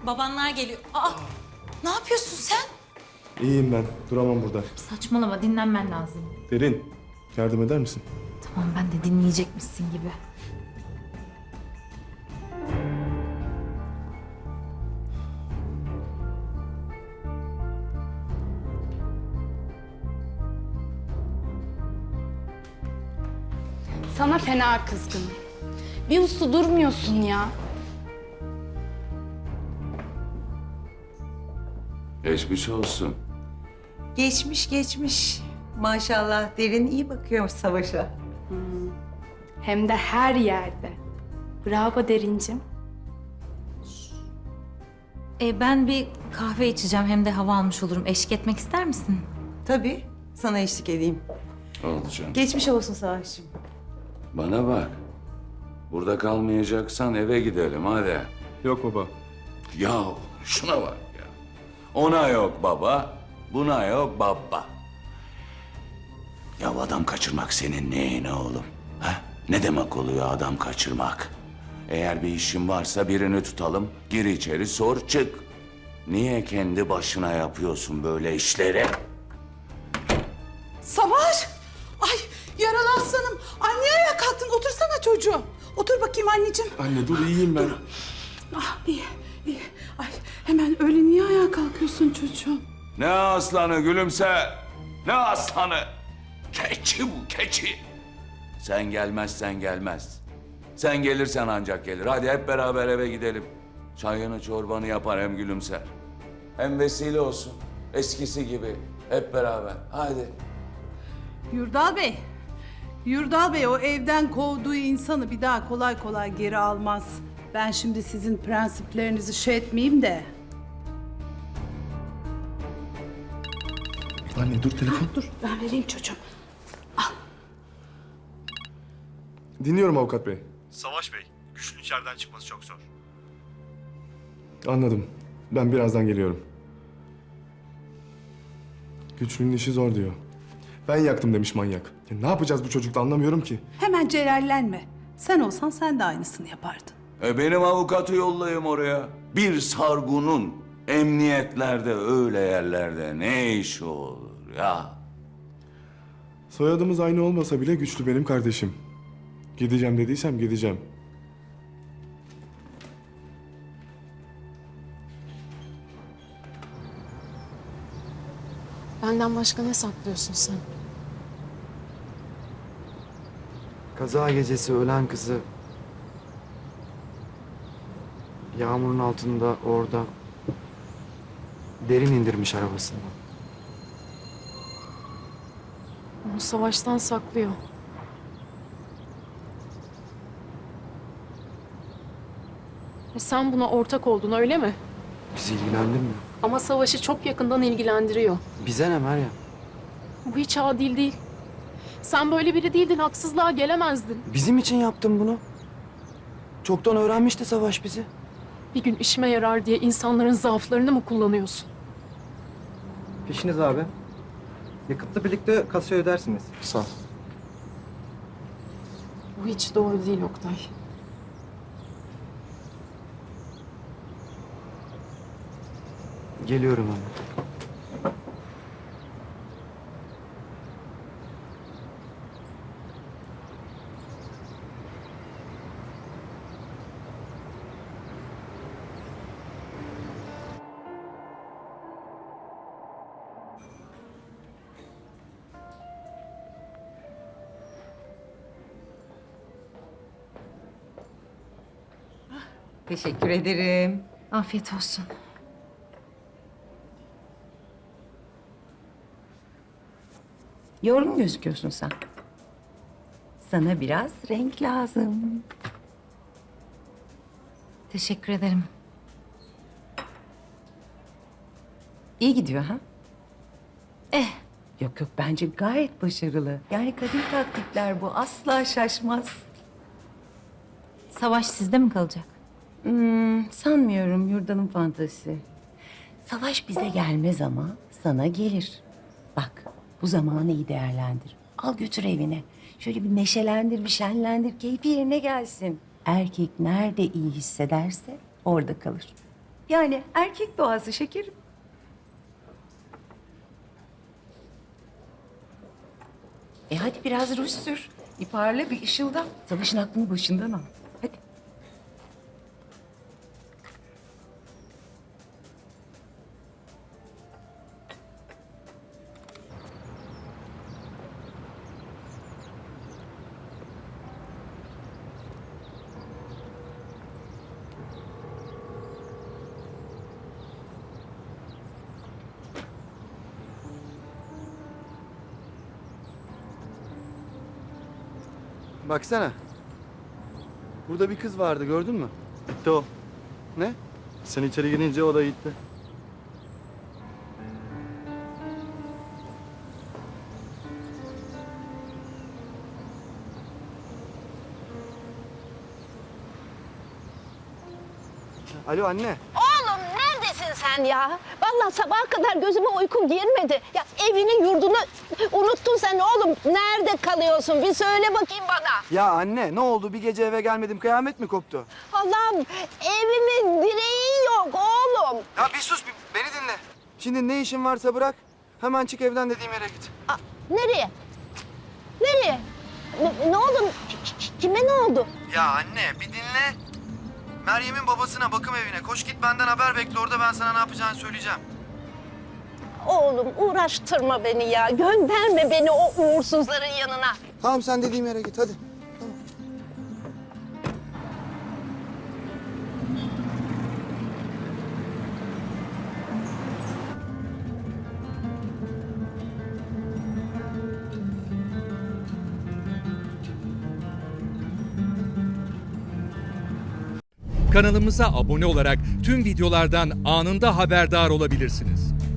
babanlar geliyor. Aa, ne yapıyorsun sen? İyiyim ben. Duramam burada. Saçmalama, dinlenmen lazım. Derin, yardım eder misin? Tamam, ben de dinleyecekmişsin gibi. Sana fena kızgınım. Bir uslu durmuyorsun ya. Geçmiş olsun. Geçmiş. Maşallah Derin iyi bakıyormuş Savaş'a. Hem de her yerde. Bravo Derincim. Ben bir kahve içeceğim, hem de hava almış olurum. Eşlik etmek ister misin? Tabii sana eşlik edeyim. Oldu canım. Geçmiş olsun Savaş'cığım. Bana bak. Burada kalmayacaksan eve gidelim hadi. Yok baba. Ya şuna bak ya. Ona yok baba, buna yok baba. Ya adam kaçırmak senin neyine oğlum? Ha? Ne demek oluyor adam kaçırmak? Eğer bir işin varsa birini tutalım, gir içeri sor çık. Niye kendi başına yapıyorsun böyle işleri? Savaş! Ay yaralı aslanım. Anne ayağa kalktın. Otursana çocuğum. Otur bakayım anneciğim. Anne dur, iyiyim ben. Ah iyi. Ay hemen öyle niye ayağa kalkıyorsun çocuğum? Ne aslanı gülümse? Ne aslanı? Keçi bu keçi. Sen gelmezsen gelmez. Sen gelirsen ancak gelir. Hadi hep beraber eve gidelim. Çayını çorbanı yapar hem gülümser. Hem vesile olsun. Eskisi gibi hep beraber. Hadi. Yurdal Bey o evden kovduğu insanı bir daha kolay kolay geri almaz. Ben şimdi sizin prensiplerinizi etmeyeyim de. Anne dur, telefon. Dur ben vereyim çocuğum. Dinliyorum avukat bey. Savaş Bey, güçlü içeriden çıkması çok zor. Anladım. Ben birazdan geliyorum. Güçlünün işi zor diyor. Ben yaktım demiş manyak. Ya ne yapacağız bu çocukla anlamıyorum ki. Hemen celallenme. Sen olsan sen de aynısını yapardın. Benim avukatı yollayayım oraya. Bir sargunun emniyetlerde öyle yerlerde ne işi olur ya? Soyadımız aynı olmasa bile Güçlü benim kardeşim. Gideceğim dediysem gideceğim. Benden başka ne saklıyorsun sen? Kaza gecesi ölen kızı yağmurun altında orada Derin indirmiş arabasından. Onu savaştan saklıyor. Sen buna ortak oldun öyle mi? Bizi ilgilendirmiyor. Ama savaşı çok yakından ilgilendiriyor. Bize ne Meryem? Bu hiç adil değil. Sen böyle biri değildin, haksızlığa gelemezdin. Bizim için yaptın bunu. Çoktan öğrenmişti Savaş bizi. Bir gün işime yarar diye insanların zaaflarını mı kullanıyorsun? Peşiniz abi. Yakıtla birlikte kasaya ödersiniz. Sağ ol. Bu hiç doğru değil Oktay. Geliyorum anne. Teşekkür ederim. Afiyet olsun. Yorgun gözüküyorsun sen. Sana biraz renk lazım. Teşekkür ederim. İyi gidiyor ha? Yok bence gayet başarılı. Yani kadın taktikler bu asla şaşmaz. Savaş sizde mi kalacak? Sanmıyorum Yurdal'ın fantazisi. Savaş bize gelmez ama sana gelir. Bak bu zamanı iyi değerlendir. Al götür evine. Şöyle bir neşelendir, bir şenlendir, keyfi yerine gelsin. Erkek nerede iyi hissederse orada kalır. Yani erkek doğası şekerim. Hadi biraz ruj sür. Bir parla, bir ışılda. Savaşın aklını başından al. Hadi. Baksana. Burada bir kız vardı, gördün mü? Gitti o. Ne? Sen içeri girince o da gitti. Alo anne. Oğlum neredesin sen ya? Vallahi sabaha kadar gözüme uyku girmedi. Ya evini yurdunu unuttun sen oğlum. Nerede kalıyorsun? Bir söyle bakayım bana. Ya anne ne oldu? Bir gece eve gelmedim, kıyamet mi koptu? Allah'ım evimin direği yok oğlum. Ya bir sus, beni dinle. Şimdi ne işin varsa bırak. Hemen çık evden dediğim yere git. Nereye? Nereye? Ne oldu? Kime ne oldu? Ya anne bir dinle. Meryem'in babasına, bakım evine. Koş git benden haber bekle. Orada ben sana ne yapacağını söyleyeceğim. Oğlum uğraştırma beni ya. Gönderme beni o uğursuzların yanına. Tamam sen dediğim yere git hadi. Kanalımıza abone olarak tüm videolardan anında haberdar olabilirsiniz.